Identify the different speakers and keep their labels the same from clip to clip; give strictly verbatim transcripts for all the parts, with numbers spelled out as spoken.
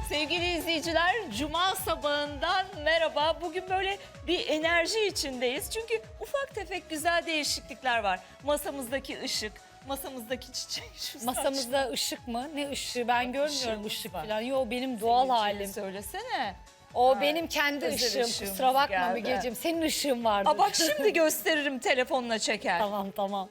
Speaker 1: Sevgili izleyiciler, Cuma sabahından merhaba. Bugün böyle bir enerji içindeyiz. Çünkü ufak tefek güzel değişiklikler var. Masamızdaki ışık, masamızdaki çiçek. Şu
Speaker 2: Masamızda
Speaker 1: saçma.
Speaker 2: ışık mı? Ne ışığı? Ben görmüyorum
Speaker 1: Işığımız
Speaker 2: ışık
Speaker 1: var.
Speaker 2: falan. Yo, benim doğal halim.
Speaker 1: Söylesene.
Speaker 2: O
Speaker 1: Ha,
Speaker 2: benim kendi
Speaker 1: özel
Speaker 2: ışığım.
Speaker 1: ışığımız
Speaker 2: Kusura bakma
Speaker 1: geldi.
Speaker 2: Mügeciğim. Senin ışığın vardı.
Speaker 1: Aa, bak şimdi gösteririm, telefonla çeker.
Speaker 2: Tamam tamam.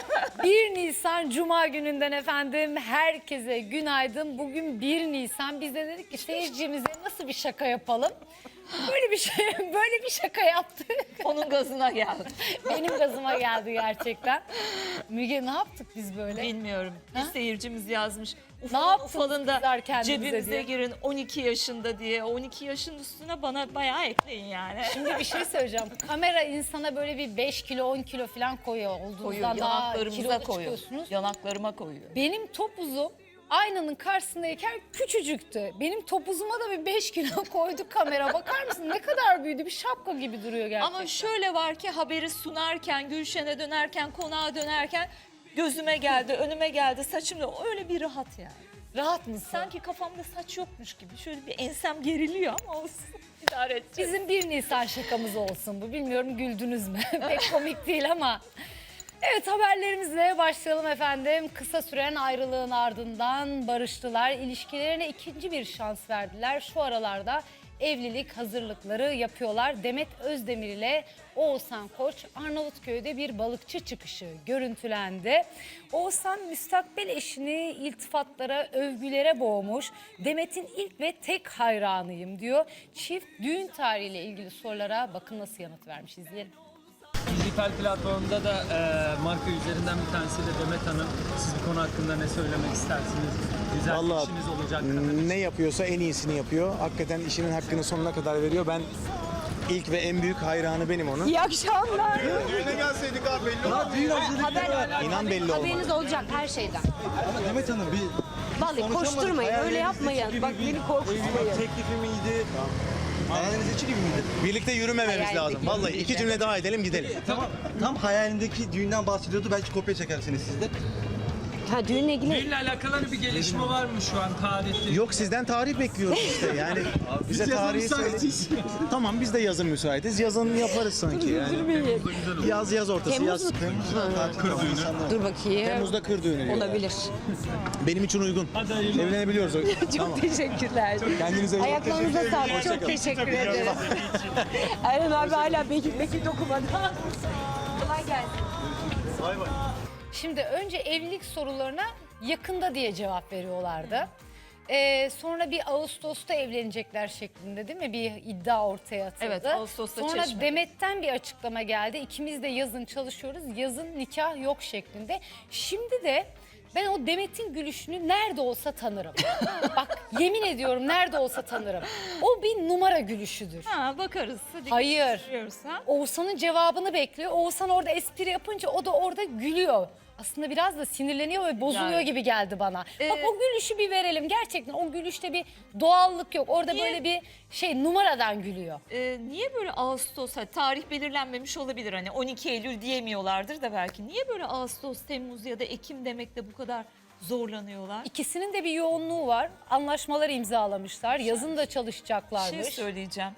Speaker 2: bir Nisan Cuma gününden efendim herkese günaydın. Bugün bir Nisan. Biz de dedik ki seyircimize nasıl bir şaka yapalım? Böyle bir şey, böyle bir şaka yaptık.
Speaker 1: Onun gazına geldi.
Speaker 2: Benim gazıma geldi gerçekten. Müge, ne yaptık biz böyle?
Speaker 1: Bilmiyorum. Bir
Speaker 2: Ha?
Speaker 1: seyircimiz yazmış.
Speaker 2: Ne
Speaker 1: Ufalın
Speaker 2: yaptınız
Speaker 1: ufalında
Speaker 2: kızlar kendinize
Speaker 1: cebimize
Speaker 2: diye?
Speaker 1: girin on iki yaşında diye. on iki yaşın üstüne bana bayağı ekleyin yani.
Speaker 2: Şimdi bir şey söyleyeceğim. Kamera insana böyle bir beş kilo on kilo falan koyuyor.
Speaker 1: Koyuyor,
Speaker 2: Olduğunuzdan daha
Speaker 1: yanaklarımıza
Speaker 2: kilolu
Speaker 1: koyuyor.
Speaker 2: çıkıyorsunuz.
Speaker 1: Yanaklarıma koyuyor.
Speaker 2: Benim topuzum aynanın karşısındayken küçücüktü. Benim topuzuma da bir beş kilo koyduk kamera. Bakar mısın ne kadar büyüdü, bir şapka gibi duruyor gerçekten.
Speaker 1: Ama şöyle var ki haberi sunarken, Gülşen'e dönerken, konağa dönerken gözüme geldi, önüme geldi, saçımda öyle bir rahat yani.
Speaker 2: Rahat mısın?
Speaker 1: Sanki kafamda saç yokmuş gibi. Şöyle bir ensem geriliyor ama olsun. İdare edeceğiz.
Speaker 2: Bizim bir Nisan şakamız olsun bu. Bilmiyorum güldünüz mü? Pek komik değil ama. Evet, haberlerimizle başlayalım efendim. Kısa süren ayrılığın ardından barıştılar. İlişkilerine ikinci bir şans verdiler. Şu aralarda evlilik hazırlıkları yapıyorlar. Demet Özdemir ile Oğuzhan Koç Arnavutköy'de bir balıkçı çıkışı görüntülendi. Oğuzhan müstakbel eşini iltifatlara, övgülere boğmuş. Demet'in ilk ve tek hayranıyım diyor. Çift düğün tarihiyle ilgili sorulara bakın nasıl yanıt vermiş, izleyelim.
Speaker 3: Dijital platformda da e, marka üzerinden bir tanesi de Demet Hanım. Siz bu konu hakkında ne söylemek istersiniz? Güzel bir
Speaker 4: Vallahi
Speaker 3: işiniz olacak kadar.
Speaker 4: ne yapıyorsa en iyisini yapıyor. Hakikaten işinin hakkını sonuna kadar veriyor. Ben ilk ve en büyük hayranı benim onun.
Speaker 5: İyi akşamlar.
Speaker 6: Düğüne gelseydik abi belli olmaz.
Speaker 5: Düğün haber,
Speaker 4: İnan belli olmaz.
Speaker 5: haberiniz olacak her şeyden.
Speaker 6: Ama Demet Hanım bir
Speaker 5: Vallahi koşturmayın, öyle yapmayın. Bak beni korkutmayın.
Speaker 6: teklifi miydi? Hayalinizdeki gibi miydi?
Speaker 4: Birlikte yürümememiz
Speaker 5: Hayalindeki
Speaker 4: lazım. Vallahi
Speaker 5: gibi
Speaker 4: iki
Speaker 5: işte.
Speaker 4: cümle daha edelim gidelim.
Speaker 6: Tamam. Tam hayalindeki düğünden bahsediyordu. Belki kopya çekersiniz siz de.
Speaker 5: Ha, düğünle ilgili
Speaker 3: Düğünle alakalı bir gelişme var mı şu an tarihte?
Speaker 4: Yok, sizden tarih bekliyoruz işte yani. Bize tarihi söyle. Tamam, biz de yazın müsaitiz. Yazın yaparız sanki yani. Yaz yaz ortası
Speaker 5: Temmuz
Speaker 4: yaz.
Speaker 5: mu?
Speaker 6: Kır düğünü.
Speaker 5: Dur bakayım.
Speaker 4: Temmuz'da kır düğünü diyorlar.
Speaker 5: Olabilir.
Speaker 4: Benim için uygun. Evlenebiliyoruz.
Speaker 5: Çok
Speaker 4: Tamam.
Speaker 5: teşekkürler.
Speaker 4: Kendinize iyi bakın.
Speaker 5: Ayaklarınıza sağlık. Çok
Speaker 4: Hoşçakalın.
Speaker 5: teşekkür ederim. Aynen abi hala Bekir Bekir dokumadı. Kolay gelsin.
Speaker 2: Şimdi önce evlilik sorularına yakında diye cevap veriyorlardı. Ee, sonra bir Ağustos'ta evlenecekler şeklinde, değil mi? Bir iddia ortaya atıldı.
Speaker 1: Evet, Ağustos'ta
Speaker 2: Sonra
Speaker 1: Çeşme'de.
Speaker 2: Demet'ten bir açıklama geldi. İkimiz de yazın çalışıyoruz. Yazın nikah yok şeklinde. Şimdi de ben o Demet'in gülüşünü nerede olsa tanırım. Bak, yemin ediyorum nerede olsa tanırım. O bir numara gülüşüdür.
Speaker 1: Ha, bakarız. Hadi
Speaker 2: Hayır.
Speaker 1: görüyoruz, ha?
Speaker 2: Oğuzhan'ın cevabını bekliyor. Oğuzhan orada espri yapınca o da orada gülüyor. Aslında biraz da sinirleniyor ve bozuluyor
Speaker 1: Yani.
Speaker 2: gibi geldi bana.
Speaker 1: Ee,
Speaker 2: Bak, o gülüşü bir verelim. Gerçekten o gülüşte bir doğallık yok. Orada
Speaker 1: Niye?
Speaker 2: böyle bir şey, numaradan gülüyor.
Speaker 1: Ee, niye böyle Ağustos, hani tarih belirlenmemiş olabilir, hani on iki Eylül diyemiyorlardır da belki. Niye böyle Ağustos, Temmuz ya da Ekim demekte bu kadar zorlanıyorlar?
Speaker 2: İkisinin de bir yoğunluğu var. Anlaşmalar imzalamışlar. Yazın da
Speaker 1: Bir
Speaker 2: çalışacaklarmış.
Speaker 1: şey söyleyeceğim.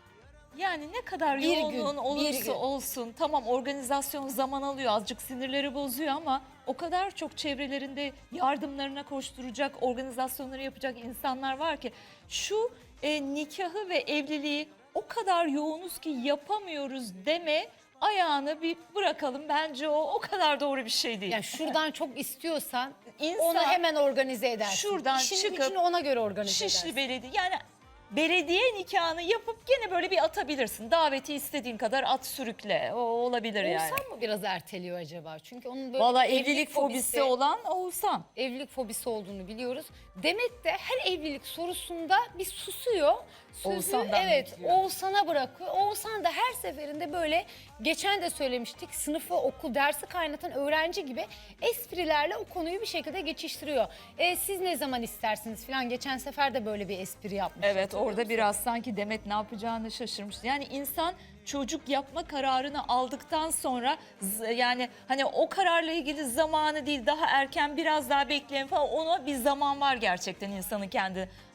Speaker 1: Yani ne kadar
Speaker 2: Bir
Speaker 1: yoğunluğun
Speaker 2: gün, bir
Speaker 1: olursa
Speaker 2: gün.
Speaker 1: olsun, tamam organizasyon zaman alıyor, azıcık sinirleri bozuyor ama o kadar çok çevrelerinde yardımlarına koşturacak, organizasyonları yapacak insanlar var ki şu e, nikahı ve evliliği o kadar yoğunuz ki yapamıyoruz deme ayağını bir bırakalım. Bence o o kadar doğru bir şey değil.
Speaker 2: Yani şuradan çok istiyorsan
Speaker 1: İnsan
Speaker 2: onu hemen organize edersin.
Speaker 1: şuradan
Speaker 2: İşini
Speaker 1: çıkıp
Speaker 2: gücünü ona göre organize
Speaker 1: Şişli
Speaker 2: edersin.
Speaker 1: Belediye, yani belediye nikahını yapıp gene böyle bir atabilirsin. Daveti istediğin kadar at, sürükle. O olabilir yani.
Speaker 2: Oğuzhan mı biraz erteliyor acaba? Çünkü onun böyle
Speaker 1: Valla
Speaker 2: bir
Speaker 1: evlilik fobisi olan Oğuzhan.
Speaker 2: evlilik fobisi olduğunu biliyoruz. Demet de her evlilik sorusunda bir susuyor. Sözü,
Speaker 1: Oğuzhan'dan
Speaker 2: evet,
Speaker 1: bekliyor.
Speaker 2: Oğuzhan'a bırakıyor. Oğuzhan da her seferinde böyle, geçen de söylemiştik, sınıfı, okul, dersi kaynatan öğrenci gibi esprilerle o konuyu bir şekilde geçiştiriyor. E, siz ne zaman istersiniz falan, geçen sefer de böyle bir espri yapmış.
Speaker 1: Evet, orada biraz sanki Demet ne yapacağını şaşırmıştı. Yani insan çocuk yapma kararını aldıktan sonra z- yani hani o kararla ilgili zamanı değil, daha erken biraz daha bekleyin falan, ona bir zaman var gerçekten insanın kendi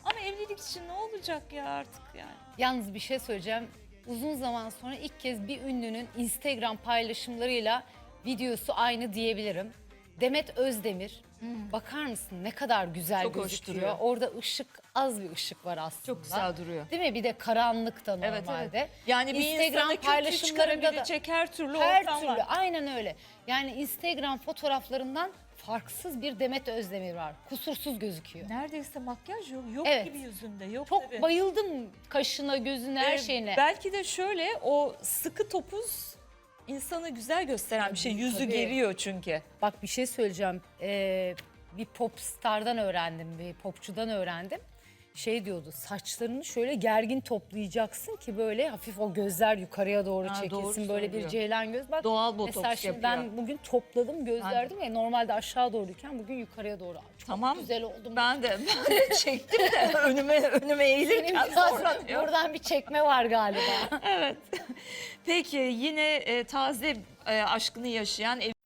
Speaker 1: Ama evlilik için ne olacak ya artık yani.
Speaker 2: Yalnız bir şey söyleyeceğim. Uzun zaman sonra ilk kez bir ünlünün Instagram paylaşımlarıyla videosu aynı diyebilirim. Demet Özdemir. Bakar mısın ne kadar güzel
Speaker 1: Çok hoş
Speaker 2: gözüküyor.
Speaker 1: duruyor.
Speaker 2: Orada ışık, az bir ışık var aslında.
Speaker 1: Çok güzel duruyor.
Speaker 2: Değil mi? Bir de karanlıkta
Speaker 1: Evet,
Speaker 2: normalde.
Speaker 1: evet. Yani bir
Speaker 2: Instagram
Speaker 1: insana kötü
Speaker 2: paylaşımlarında da
Speaker 1: çıkarabilecek her türlü
Speaker 2: her
Speaker 1: ortam
Speaker 2: türlü
Speaker 1: var.
Speaker 2: aynen öyle. Yani Instagram fotoğraflarından farksız bir Demet Özdemir var. Kusursuz gözüküyor.
Speaker 1: Neredeyse makyaj yok. Yok
Speaker 2: Evet.
Speaker 1: gibi yüzünde. Yok
Speaker 2: Çok
Speaker 1: tabii.
Speaker 2: bayıldım kaşına, gözüne, her
Speaker 1: Ee,
Speaker 2: şeyine.
Speaker 1: Belki de şöyle o sıkı topuz insanı güzel gösteren bir şey. Yüzü
Speaker 2: tabii.
Speaker 1: geriyor çünkü.
Speaker 2: Bak bir şey söyleyeceğim. Ee, bir pop stardan öğrendim, bir popçudan öğrendim. Şey diyordu, saçlarını şöyle gergin toplayacaksın ki böyle hafif o gözler yukarıya doğru
Speaker 1: Ha, doğru
Speaker 2: çekilsin. Böyle bir
Speaker 1: söylüyor.
Speaker 2: ceylan göz. Bak,
Speaker 1: Doğal botoks
Speaker 2: mesela şimdi
Speaker 1: yapıyor.
Speaker 2: ben bugün topladım gözlerdim ya, normalde aşağı doğruyken bugün yukarıya doğru. Çok
Speaker 1: Tamam.
Speaker 2: güzel oldum.
Speaker 1: Ben de, ben de çektim de önüme önüme
Speaker 2: Senin
Speaker 1: eğilirken
Speaker 2: biraz
Speaker 1: sonra diyor.
Speaker 2: buradan bir çekme var galiba.
Speaker 1: Evet. Peki yine e, taze e, aşkını yaşayan